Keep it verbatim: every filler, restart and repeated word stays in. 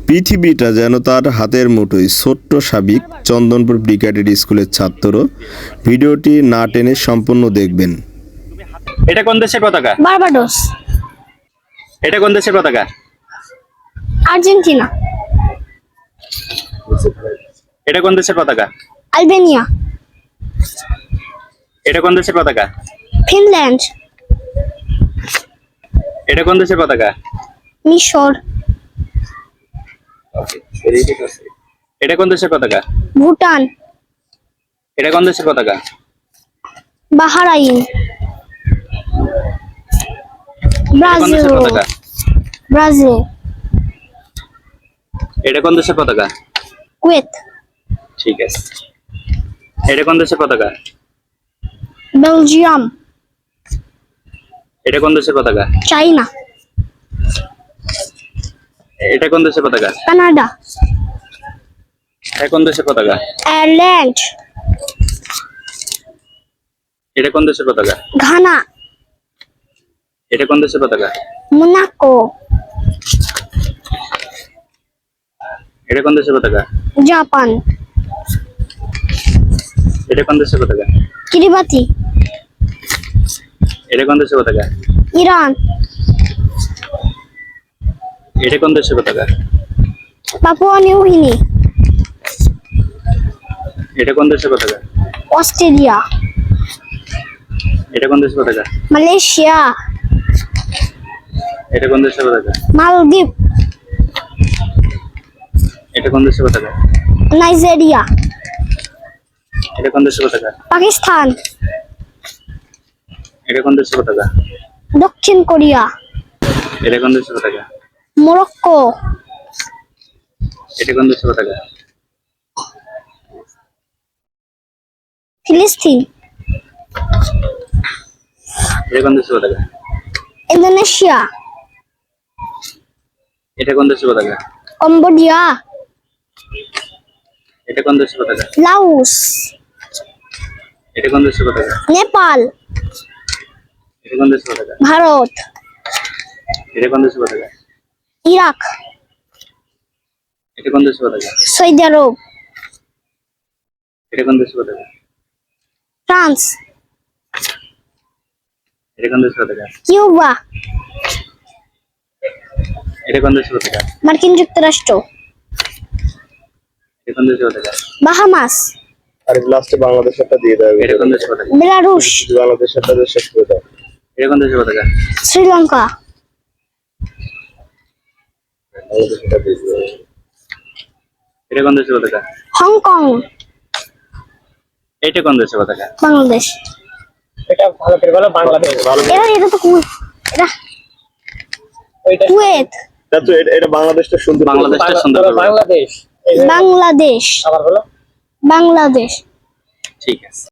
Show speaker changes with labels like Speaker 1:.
Speaker 1: পৃথিবীটা যেন তার হাতের মুঠোয়। ছোট্ট সাবিক চন্দনপুর ব্রিগেডের স্কুলের ছাত্র। ভিডিওটি না টেনে সম্পূর্ণ দেখবেন।
Speaker 2: এটা কোন দেশের পতাকা?
Speaker 3: বার্বাডোস।
Speaker 2: এটা কোন দেশের পতাকা?
Speaker 3: আর্জেন্টিনা।
Speaker 2: এটা কোন দেশের পতাকা?
Speaker 3: আলবেনিয়া।
Speaker 2: এটা কোন দেশের পতাকা?
Speaker 3: ফিনল্যান্ড।
Speaker 2: এটা কোন দেশের পতাকা?
Speaker 3: মিশর।
Speaker 2: এটা কোন দেশের পতাকা?
Speaker 3: ভুটান।
Speaker 2: এটা কোন দেশের পতাকা?
Speaker 3: বাহরাইন।
Speaker 2: এটা কোন
Speaker 3: ব্রাজিল।
Speaker 2: দেশের পতাকা?
Speaker 3: ব্রাজিল।
Speaker 2: এটা কোন দেশের পতাকা?
Speaker 3: কুয়েত।
Speaker 2: ঠিক আছে। এটা কোন দেশের পতাকা?
Speaker 3: বেলজিয়াম।
Speaker 2: এটা কোন দেশের পতাকা?
Speaker 3: চাইনা।
Speaker 2: এটা কোন দেশের পতাকা?
Speaker 3: কানাডা।
Speaker 2: এটা কোন দেশের পতাকা?
Speaker 3: আয়ারল্যান্ড।
Speaker 2: এটা কোন দেশের পতাকা?
Speaker 3: ঘানা।
Speaker 2: এটা কোন দেশের পতাকা?
Speaker 3: মোনাকো।
Speaker 2: এটা কোন দেশের পতাকা?
Speaker 3: জাপান।
Speaker 2: এটা কোন দেশের পতাকা?
Speaker 3: কিরিবাতি।
Speaker 2: এটা কোন দেশের পতাকা?
Speaker 3: ইরান।
Speaker 2: এটা কোন দেশের পতাকা?
Speaker 3: Papua New Guinea.
Speaker 2: এটা কোন দেশের পতাকা?
Speaker 3: অস্ট্রেলিয়া।
Speaker 2: এটা কোন দেশের পতাকা?
Speaker 3: মালয়েশিয়া।
Speaker 2: এটা কোন দেশের পতাকা?
Speaker 3: মালদ্বীপ।
Speaker 2: এটা কোন দেশের পতাকা?
Speaker 3: নাইজেরিয়া।
Speaker 2: এটা কোন দেশের পতাকা?
Speaker 3: পাকিস্তান।
Speaker 2: এটা কোন দেশের পতাকা?
Speaker 3: দক্ষিণ কোরিয়া।
Speaker 2: এটা কোন দেশের পতাকা?
Speaker 3: মরক্কো।
Speaker 2: এটা কোন দেশের পতাকা?
Speaker 3: ফিলিস্তিন।
Speaker 2: এটা কোন দেশের পতাকা?
Speaker 3: ইন্দোনেশিয়া।
Speaker 2: এটা কোন দেশের পতাকা?
Speaker 3: কম্বোডিয়া।
Speaker 2: এটা কোন দেশের পতাকা?
Speaker 3: লাওস।
Speaker 2: এটা কোন দেশের পতাকা?
Speaker 3: নেপাল।
Speaker 2: এটা কোন দেশের পতাকা?
Speaker 3: ভারত।
Speaker 2: এটা কোন দেশের পতাকা?
Speaker 3: ইরাক।
Speaker 2: এটা কোন দেশের পতাকা?
Speaker 3: Saudi Arab.
Speaker 2: এটা কোন দেশের পতাকা?
Speaker 3: ফ্রান্স।
Speaker 2: এটা কোন দেশের পতাকা?
Speaker 3: কিউবা।
Speaker 2: এটা কোন দেশের পতাকা?
Speaker 3: মার্কিন যুক্তরাষ্ট্র।
Speaker 2: এটা কোন দেশের পতাকা?
Speaker 3: বাহামাস।
Speaker 1: আর লাস্টে বাংলাদেশেরটা দিয়ে দেবে।
Speaker 2: এটা কোন দেশের পতাকা?
Speaker 3: বেলারুশ।
Speaker 1: বাংলাদেশেরটা দিয়ে শেষ করে দাও।
Speaker 2: এটা কোন দেশের পতাকা?
Speaker 3: শ্রীলঙ্কা।
Speaker 1: বাংলাদেশেরটা দিয়ে দেবে।
Speaker 2: এটা কোন দেশের পতাকা?
Speaker 3: হংকং।
Speaker 2: এটা কোন দেশের পতাকা?
Speaker 3: বাংলাদেশ।
Speaker 4: এটা ভালো করে বলো বাংলাদেশ।
Speaker 3: এরা এটা তো কুয়েত। এটা
Speaker 4: ওইটা
Speaker 3: কুয়েত।
Speaker 1: তা তো এটা- এটা বাংলাদেশটা সুন্দর করে বলো।
Speaker 2: বাংলাদেশটা সুন্দর করে বলো।
Speaker 4: বাংলাদেশ।
Speaker 3: বাংলাদেশ।
Speaker 4: আবার বলো।
Speaker 3: বাংলাদেশ।
Speaker 2: ঠিক আছে।